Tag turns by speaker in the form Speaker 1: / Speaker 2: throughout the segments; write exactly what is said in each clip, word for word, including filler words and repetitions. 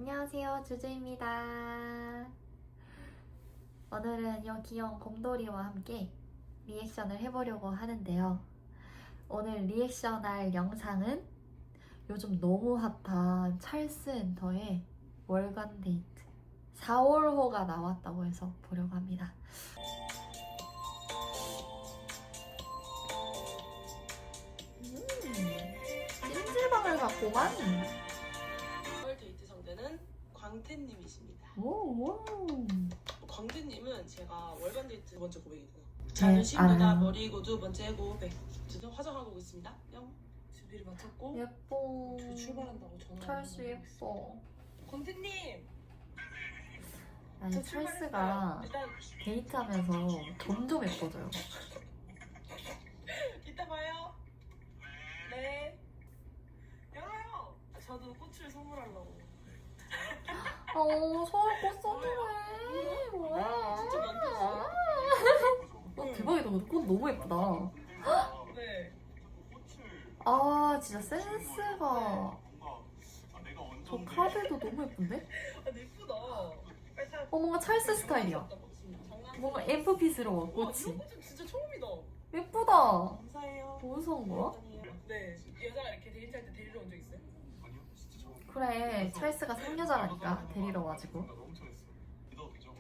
Speaker 1: 안녕하세요, 주주입니다. 오늘은 이 귀여운 곰돌이와 함께 리액션을 해보려고 하는데요. 오늘 리액션할 영상은 요즘 너무 핫한 찰스 엔터의 월간 데이트 사월호가 나왔다고 해서 보려고 합니다. 음, 찜질방을 갔구만.
Speaker 2: 사월 데이트 상대는 광태님이십니다.
Speaker 1: 오,
Speaker 2: 광태님은 제가 월간 데이트 두 번째 고백이고 자존심보다
Speaker 1: 네, 아.
Speaker 2: 머리고 두 번째 고백. 지금 화장하고 오겠습니다. 뿅. 준비를 마쳤고
Speaker 1: 예뻐.
Speaker 2: 저 출발한다고 전화.
Speaker 1: 찰스 예뻐.
Speaker 2: 광태님.
Speaker 1: 아니,
Speaker 2: 저
Speaker 1: 찰스가
Speaker 2: 출발했어요. 일단
Speaker 1: 데이트하면서 점점 예뻐져요.
Speaker 2: 이따 봐요. 네. 열어요. 저도 꽃을 선물하려고.
Speaker 1: 어, 서울 꽃 선물해. 뭐야?
Speaker 2: 진짜 만들었어?
Speaker 1: 어, 대박이다. 근데 꽃 너무 예쁘다.
Speaker 2: 네.
Speaker 1: 아, 진짜 센스가. 저 카드도 너무 예쁜데?
Speaker 2: 아, 근데 예쁘다. 빨리 타.
Speaker 1: 어, 뭔가 찰스 스타일이야. 뭔가 엠프피스러워,
Speaker 2: 와,
Speaker 1: 꽃이.
Speaker 2: 이런 꽃은 진짜 처음이다.
Speaker 1: 예쁘다.
Speaker 2: 감사해요.
Speaker 1: 어디서 온 거야?
Speaker 2: 네. 여자가 이렇게 데이트할 때 데리러 온 적 있어요?
Speaker 3: 아니요, 진짜 처음.
Speaker 1: 그래, 찰스가 상여자라니까, 데리러 와가지고.
Speaker 3: 나 너무 잘했어. 믿어도 되죠?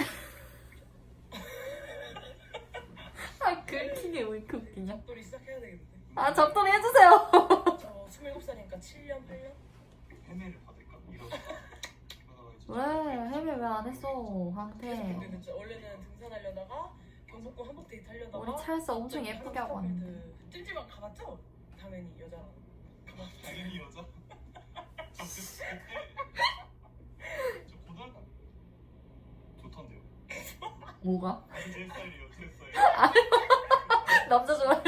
Speaker 1: 아, 긁히게 왜 이렇게 웃기냐?
Speaker 2: 잡돌이 시작해야 되겠는데.
Speaker 1: 아, 잡돌이 해주세요.
Speaker 2: 저 스물일곱 살이니까 칠 년, 팔 년?
Speaker 3: 해매를 받을까? 이런.
Speaker 1: 왜? 해외 왜 안 했어,
Speaker 2: 그래서
Speaker 1: 황태.
Speaker 2: 근데 진짜 원래는 등산하려다가 경복궁 한복 데이트 하려다가
Speaker 1: 우리 찰스 엄청 예쁘게 하고 왔는데.
Speaker 2: 찜질방 가봤죠? 당연히 여자랑 가봤죠.
Speaker 3: 당연히 여자. 저 고등학교 좋던데요.
Speaker 1: 뭐가?
Speaker 3: 제 스타일이요, 제 스타일.
Speaker 1: 남자 좋아해.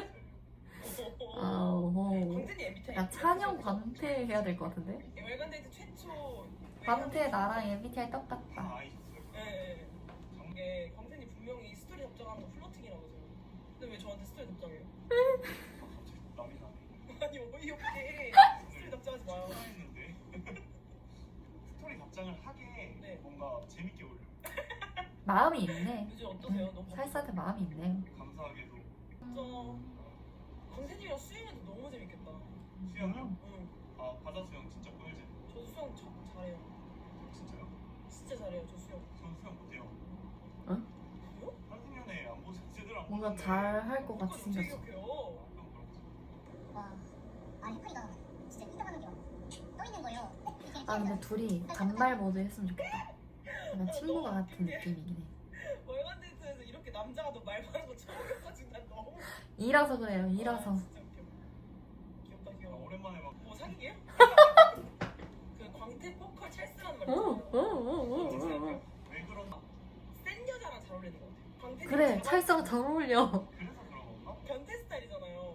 Speaker 1: 아오.
Speaker 2: 광진이 엠비티아이
Speaker 1: 야, 찬영 광태 해야 될 것 같은데?
Speaker 2: 월간 데이트 최초
Speaker 1: 광태 나랑 엠비티아이 똑같다.
Speaker 3: 다 아이셨어요.
Speaker 2: 예, 예. 이게 광진이 분명히 스토리 답장하는 거 플러팅이라고 해서 근데 왜 저한테 스토리 답장해요?
Speaker 3: 갑자기 남이 나네.
Speaker 2: 아니 어이없게 스토리 답장하지 마요.
Speaker 3: 했는데 스토리 답장을 하게
Speaker 2: 네.
Speaker 3: 뭔가 재밌게 올려.
Speaker 1: 마음이 있네.
Speaker 2: 요즘 어떠세요? 너무
Speaker 1: 찰스한테 마음이 있네.
Speaker 3: 감사하게도
Speaker 2: 진짜 광진이랑 수영해도 너무 재밌겠다.
Speaker 3: 수영이요?
Speaker 2: 응.
Speaker 3: 아 바다 수영 진짜 꿀잼.
Speaker 2: 저도 수영 저, 잘해요.
Speaker 3: 진짜요?
Speaker 2: 진짜 잘해요. 저 수영.
Speaker 3: 전 수영 못해요.
Speaker 2: 그래요?
Speaker 3: 한승연애 안 보죠? 제대로 안
Speaker 1: 뭔가
Speaker 3: 보는데.
Speaker 1: 잘 할 것 같이
Speaker 2: 어떻게
Speaker 1: 생겼어.
Speaker 2: 기억해요?
Speaker 3: 그럼 그렇지.
Speaker 4: 와, 아 해파리가 진짜 이따가는 게떠 있는 거예요.
Speaker 1: 아, 근데 둘이 단말 모드 했으면 좋겠다. 약간 친구가 같은 느낌이긴 해.
Speaker 2: 월간 데이트에서 이렇게 남자가 너 말 많은 거 처음 해가지고 난 너무
Speaker 1: 이라서 그래요, 이라서.
Speaker 2: 아, 진짜 웃겨. 귀엽다
Speaker 3: 아,
Speaker 2: 귀여워.
Speaker 3: 오랜만에 막
Speaker 2: 뭐 사귀게요? 그 광태 포컬 찰스라는 말
Speaker 1: 어,
Speaker 2: 있잖아요.
Speaker 1: 어, 어, 어, 어, 어.
Speaker 3: 왜 그런
Speaker 2: 센 여자랑 잘 어울리는 것 같아. 광태
Speaker 1: 그래, 찰스랑 잘 어울려.
Speaker 3: 그래서 그런 건가?
Speaker 2: 변태 스타일이잖아요.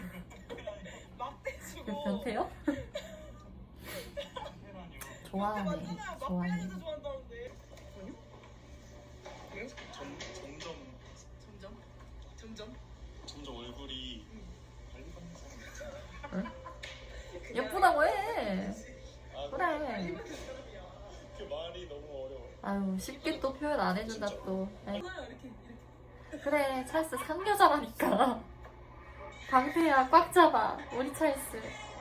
Speaker 2: 막
Speaker 1: 그
Speaker 2: 대주고.
Speaker 1: 변태요?
Speaker 3: 테라니요.
Speaker 1: 좋아하네,
Speaker 2: 맞잖아요. 막
Speaker 1: 좋아해.
Speaker 2: 빼는 여자 좋아한다는데. 아니요? 왜요?
Speaker 3: 점, 점점
Speaker 2: 점점? 점점?
Speaker 3: 점점 얼굴이 관리 받는 사람이 같아.
Speaker 1: 예쁘다고 해.
Speaker 3: 아,
Speaker 1: 그래.
Speaker 2: 이만 그 사람이야.
Speaker 3: 그 말이 너무 어려워.
Speaker 1: 아유, 쉽게 또 표현 안 해준다 또. 에이,
Speaker 2: 하나요 이렇게 이렇게.
Speaker 1: 그래, 찰스 상여자라니까. 방패야, 꽉 잡아. 우리 찰스.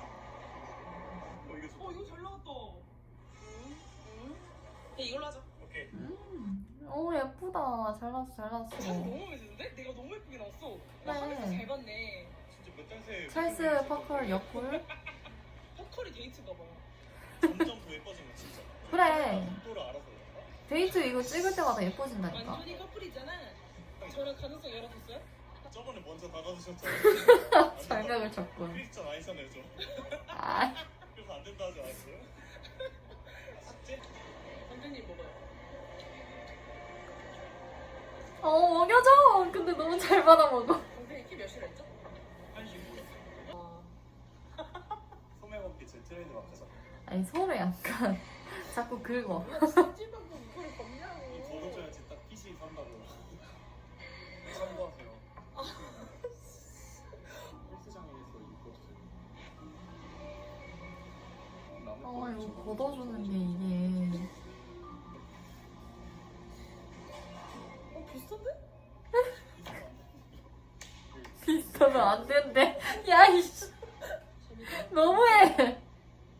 Speaker 3: 어 이게 좋다.
Speaker 2: 어 이거 잘 나왔다. 응? 응? 야, 이걸로 하자.
Speaker 3: 오케이.
Speaker 1: 음, 오, 예쁘다. 잘 나왔어, 잘 나왔어.
Speaker 2: 찰스 너무 마음에 드는데? 내가 너무 예쁘게 나왔어. 나
Speaker 1: 그래.
Speaker 2: 하면서 잘 봤네.
Speaker 3: 진짜 몇 장세.
Speaker 1: 찰스 퍼컬 옆을.
Speaker 2: 포컬이 데이트인가 봐요.
Speaker 3: 점점 더 예뻐지는 진짜.
Speaker 1: 그래.
Speaker 3: 속도를 알아서 그런가?
Speaker 1: 데이트 이거 찍을 때마다 예뻐진다니까.
Speaker 2: 완전히 커플이잖아. 저랑 가능성 열어줬어요?
Speaker 3: 저번에 먼저 다가주셨잖아요.
Speaker 1: 절벽을 쳤군.
Speaker 3: 크리스찬 아니잖아요, 저.
Speaker 1: 아,
Speaker 3: 그래서 안 된다 하지 않았어요? 숙제?
Speaker 2: 선생님 먹어요.
Speaker 1: 어, 먹여줘. 근데 너무 잘 받아먹어.
Speaker 2: 선생님 키 몇이라 했죠?
Speaker 3: 한식으로.
Speaker 2: 아,
Speaker 3: 소매 먹기 제 트레이드 마크죠.
Speaker 1: 아니, 소매 약간 자꾸 긁어.
Speaker 2: 뭐야 찜질방도 이거를 벗냐고.
Speaker 3: 거둬줘야지 딱 핏이 산다고. 참고하세요. 헬스장에서 입고
Speaker 1: 아 이거 걷어주는 게 이게
Speaker 2: 어 비슷한데?
Speaker 1: 비슷하면 안 된대. 야 이씨 너무해.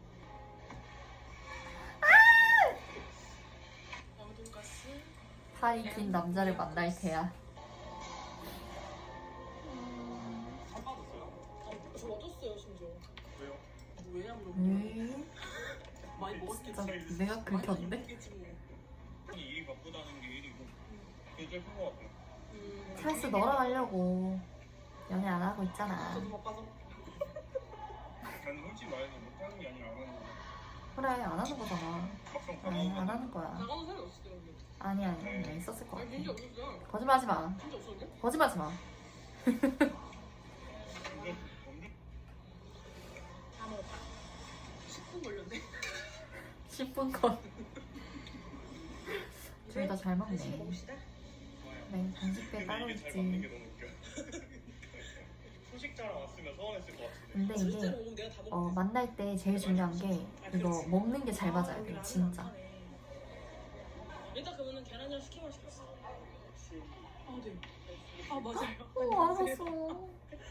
Speaker 2: 왕돈가스.
Speaker 1: 팔이 긴 남자를 만날 테야.
Speaker 3: 살 빠졌어요?
Speaker 2: 아, 저 얻었어요 심지어.
Speaker 3: 왜요?
Speaker 2: 뭐 왜냐면
Speaker 1: 음,
Speaker 2: 많이 먹었겠지.
Speaker 1: 진짜 내가 긁혔는데?
Speaker 2: 먹었겠지 뭐.
Speaker 3: 일이 바쁘다는 게 일이고 그게 제일 큰 것 같아요.
Speaker 2: 음.
Speaker 1: 찰스 너랑 하려고 연애 안 하고 있잖아.
Speaker 2: 저도 바빠서.
Speaker 3: 저는 솔직히 말해서 못하는 게 아니라 안 하는 거예요.
Speaker 1: 그래 안 하는 거잖아.
Speaker 3: 막상 다
Speaker 1: 응, 안
Speaker 3: 나오면
Speaker 1: 하는 거야.
Speaker 2: 나가는 사람이 없을 때 근데.
Speaker 1: 아니 아니 네, 있었을 것
Speaker 2: 아니 진짜
Speaker 1: 같아.
Speaker 2: 없었어.
Speaker 1: 거짓말하지 마.
Speaker 2: 진짜 없었는데?
Speaker 1: 거짓말하지 마.
Speaker 3: 근데 언제
Speaker 2: 다 먹었다. 십 분 걸렸네.
Speaker 1: 십 분 건. 둘 다 잘
Speaker 2: 간식
Speaker 1: 먹네.
Speaker 2: 먹읍시다.
Speaker 1: 네 간식배 따로
Speaker 3: 근데 이게 잘 맞는 게
Speaker 1: 있지.
Speaker 3: 너무 웃겨. 소식자랑 왔으면 서운했을 것 같은데.
Speaker 1: 근데
Speaker 2: 실제로
Speaker 1: 이게
Speaker 2: 먹으면 내가 다 먹었어.
Speaker 1: 어, 만날 때 제일 중요한 게 이거 먹는 게 잘 맞아야 돼 진짜.
Speaker 2: 일단 그러면은 계란이랑 스키만 시켰어. 아 네. 아 맞아요.
Speaker 1: 어 알았어.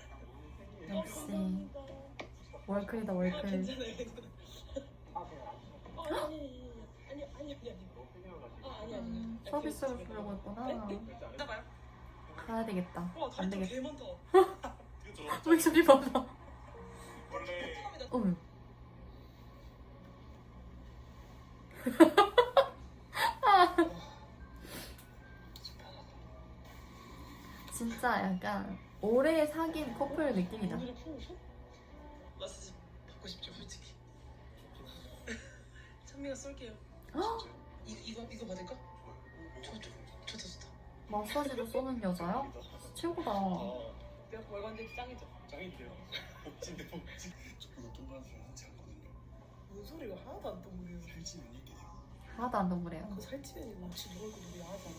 Speaker 1: 역시 월클이다
Speaker 2: 아,
Speaker 1: 월클.
Speaker 2: 괜찮아요. 괜찮아요. 아 어, 아니 아니 아니 아니 아니 아니. 아 아니 아니.
Speaker 1: 음, 서비스로 주려고 했구나.
Speaker 2: 나봐요.
Speaker 1: 가야 되겠다.
Speaker 2: 와
Speaker 1: 안
Speaker 2: 다리
Speaker 1: 되겠다.
Speaker 2: 개 많다.
Speaker 3: 그죠?
Speaker 1: 왜 저리 봐봐.
Speaker 3: 원래
Speaker 1: 어머. 진짜 약간 오래 사귄 커플 느낌이다.
Speaker 2: 오늘은 풀어줘? 마사지 받고 싶죠 솔직히. 찬미가 쏠게요. 이 이거 이거 받을까? 좋다 좋다 좋다.
Speaker 1: 마사지도 쏘는 여자야? 최고다.
Speaker 3: 아,
Speaker 2: 내가 월간데 짱이죠.
Speaker 3: 짱인데요. 복진데 복진. 저보다 동그라서 하지 않거든요.
Speaker 2: 뭔 소리가 하나도 안 떠오르요.
Speaker 3: 살찌는 이게 돼요.
Speaker 1: 하나도 안 동그래요.
Speaker 2: 그 살찌면 혹시 누가 그 우리 야하잖아.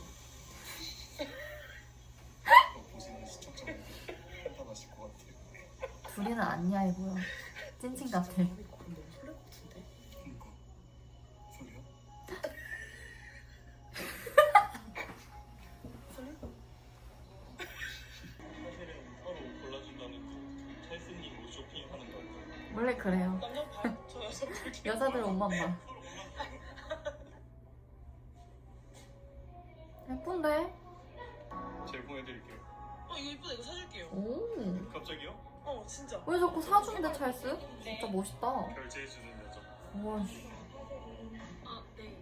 Speaker 3: 보시는 시청자분들 판단하실 것 같아요.
Speaker 1: 둘이는 안 야해 보여. 찐친 같아.
Speaker 2: 마음이 그럼 너무 설렐 것 같은데?
Speaker 3: 그러니까 소리요?
Speaker 2: 설레?
Speaker 3: 사실은 서로 옷 골라준다는 그 찰스님 옷 쇼핑하는 거
Speaker 1: 원래 그래요.
Speaker 2: 남자 봐. 저 여자 볼게요.
Speaker 1: 여자들 옷만 봐.
Speaker 3: 서로 골라주는
Speaker 1: 예쁜데?
Speaker 3: 제가 보내드릴게요.
Speaker 2: 어 이거 이쁘다 이거 사줄게요.
Speaker 1: 오.
Speaker 3: 갑자기요?
Speaker 2: 어 진짜.
Speaker 1: 왜 자꾸 사주는데 찰스? 진짜 멋있다.
Speaker 3: 결제해주는 여자.
Speaker 1: 우와씨.
Speaker 2: 아 네.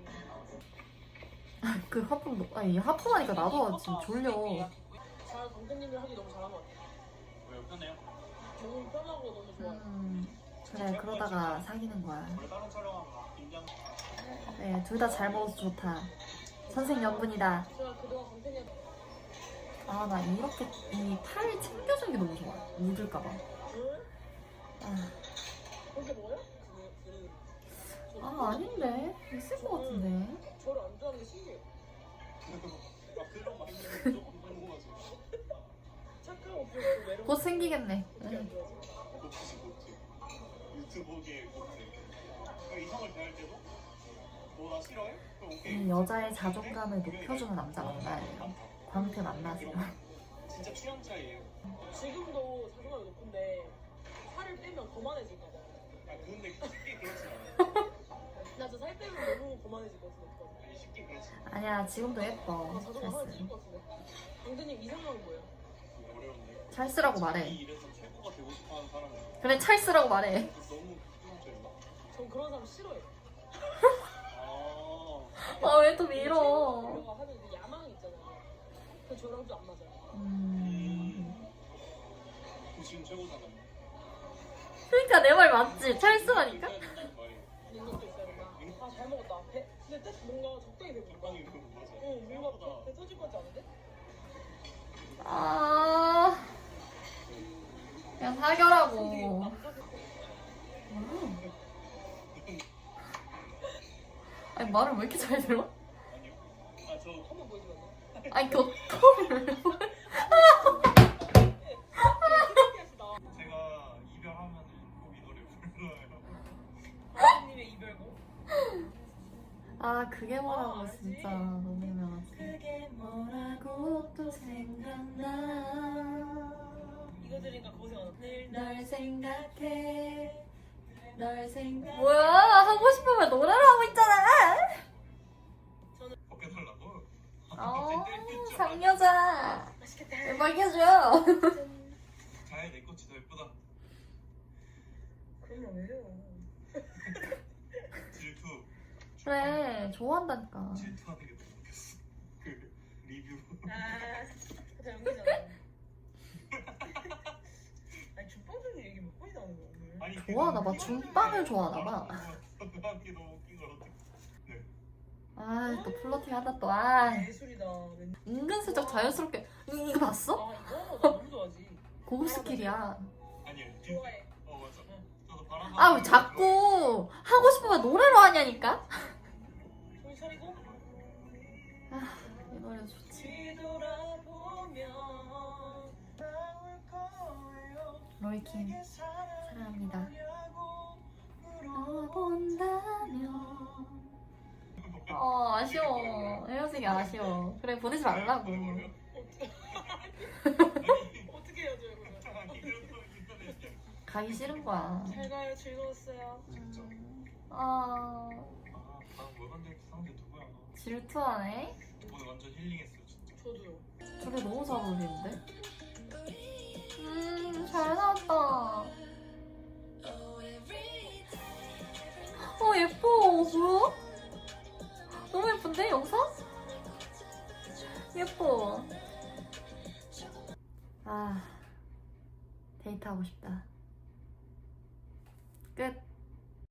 Speaker 1: 그 하품, 너- 아니 하품하니까 나도 지금 졸려.
Speaker 2: 잘 강태님을 하기 너무 잘한 것 같아.
Speaker 3: 왜요? 편해요?
Speaker 2: 너무 편하고 너무 좋아요.
Speaker 1: 음, 그래 그러다가 사귀는 거야.
Speaker 3: 원래 다른 촬영하면 긴장.
Speaker 1: 네, 둘 다 잘 먹어서 좋다. 선생연분이다.
Speaker 2: 제가 그동안 강태님
Speaker 1: 아, 나 이렇게 이 팔 챙겨주는 게 너무 좋아. 묻을까봐.
Speaker 2: 응?
Speaker 1: 아,
Speaker 2: 그렇게 먹어요? 그거 그
Speaker 1: 아, 아닌데? 있을 것 같은데?
Speaker 2: 저를 안 좋아하는 게 신기해요.
Speaker 3: 아 그런 마인드는 조금 궁금하죠.
Speaker 2: 착하고 그리고 외로운
Speaker 1: 곧 생기겠네.
Speaker 2: 어떻게 안
Speaker 1: 응.
Speaker 2: 좋아하지?
Speaker 3: 고치지 고치. 유튜브계 고치. 그러니까 이성을 대할 때도 너 나 싫어해? 그럼 오케이.
Speaker 1: 이 여자의 자존감을 높여주는 남자 만나야 돼요. 광태 만나세요.
Speaker 3: 진짜 취향차이에요.
Speaker 2: 지금도 자존감이 높은데 살을 빼면 거만해질까 봐.
Speaker 3: 아 근데 쉽게 그렇진 않아요.
Speaker 2: 나 저 살 빼면 너무 거만해질 것 같은데 어떡하지?
Speaker 3: 아니, 쉽게 그렇진 않아요.
Speaker 1: 아니야, 지금도 예뻐.
Speaker 2: 나 자존감 하나
Speaker 1: 찰스.
Speaker 2: 찔 것 같은데. 강대님 이상형은 뭐예요?
Speaker 3: 어려운데.
Speaker 1: 찰스라고
Speaker 3: 이
Speaker 1: 말해.
Speaker 3: 일에서 최고가 되고 싶어하는 사람은
Speaker 1: 그래, 찰스라고 말해.
Speaker 3: 너무 취향차이인가?
Speaker 2: 전 그런 사람 싫어해요.
Speaker 3: 아.
Speaker 1: 아, 왜 또 밀어?
Speaker 2: 이런 하는 그 야망이 있잖아요. 그 저랑 좀 안 맞아요.
Speaker 1: 음.
Speaker 3: 그 지금 최고잖아요.
Speaker 1: 그러니까 내 말 맞지? 찰스라니까?
Speaker 3: 있어야 된다는 말이에요.
Speaker 2: 능력도 있어야 된다. 아 잘 먹었다. 배, 근데 딱 뭔가 적당히 배부르다.
Speaker 3: 적당히 그거 맞아.
Speaker 2: 응, 뭔가 배, 배 터질 것 같지 않은데?
Speaker 1: 아. 그냥 사겨라고.
Speaker 2: 되게 남자
Speaker 1: 음. 아니, 말을 왜 이렇게 잘 들어?
Speaker 3: 아니요. 아 저
Speaker 2: 한번 보여주면 안 돼?
Speaker 1: 아니, 교토를 왜 보여?
Speaker 2: 신기하시다.
Speaker 3: 제가 이별하면은 꼭 이 노래 불러요.
Speaker 2: 강대님의 이별
Speaker 1: 아 그게 뭐라고
Speaker 2: 아, 알지.
Speaker 1: 진짜 너무 유명하지.
Speaker 2: 그게
Speaker 1: 뭐라고 또 생각나.
Speaker 2: 이거 들으니까 고생 안 늘
Speaker 1: 널 생각해. 널 생각. 뭐야 하고 싶으면 노래를 하고 있잖아.
Speaker 3: 벗겨달라고?
Speaker 1: 어 상여자.
Speaker 2: 맛있겠다.
Speaker 1: 음악해줘.
Speaker 3: 자야 내 꽃이 더 예쁘다.
Speaker 2: 그러면 왜요?
Speaker 3: 질투.
Speaker 1: 그래 좋아한다니까.
Speaker 3: 질투하는 게 너무 웃겼어. 그 리뷰.
Speaker 2: 아, 다 연기잖아. 아니 죽방송이 얘기 몇 번이나 하는 거야 오늘?
Speaker 3: 아니,
Speaker 1: 좋아하나 봐. 준빵을 좋아하나 봐.
Speaker 3: 그게 너무 웃긴 걸 어떡해. 네.
Speaker 1: 아 또 플러팅 하다 또 아.
Speaker 2: 예술이다. 왠-
Speaker 1: 은근슬쩍 자연스럽게. 이- 이거 봤어?
Speaker 2: 아 이거 나 너무 좋아하지.
Speaker 1: 고급 스킬이야.
Speaker 3: 아니요.
Speaker 2: 좋아해.
Speaker 3: 어 맞아. 저도 바람.
Speaker 1: 아 왜 자꾸 하고 싶으면 노래로 하냐니까.
Speaker 2: 손 차리고
Speaker 1: 아 이 노래 좋지.
Speaker 2: 뒤돌아보면
Speaker 1: 로이킴 사랑합니다. 알아본다면. 어 아쉬워. 헤어지기 아쉬워. 그래 보내지 말라고.
Speaker 2: 어떻게 해야죠 이거?
Speaker 1: 가기 싫은 거야.
Speaker 2: 잘 가요. 즐거웠어요.
Speaker 3: 진짜.
Speaker 1: 아
Speaker 3: 다음 뭘 만들지 상대 누구야?
Speaker 1: 질투하네.
Speaker 3: 오늘 완전 힐링했어 진짜.
Speaker 2: 저도요.
Speaker 1: 저게 너무 잘 어울리는데? 음잘 나왔다. 어 예뻐. 뭐야? 너무 예쁜데 영상? 예뻐. 아 데이트하고 싶다.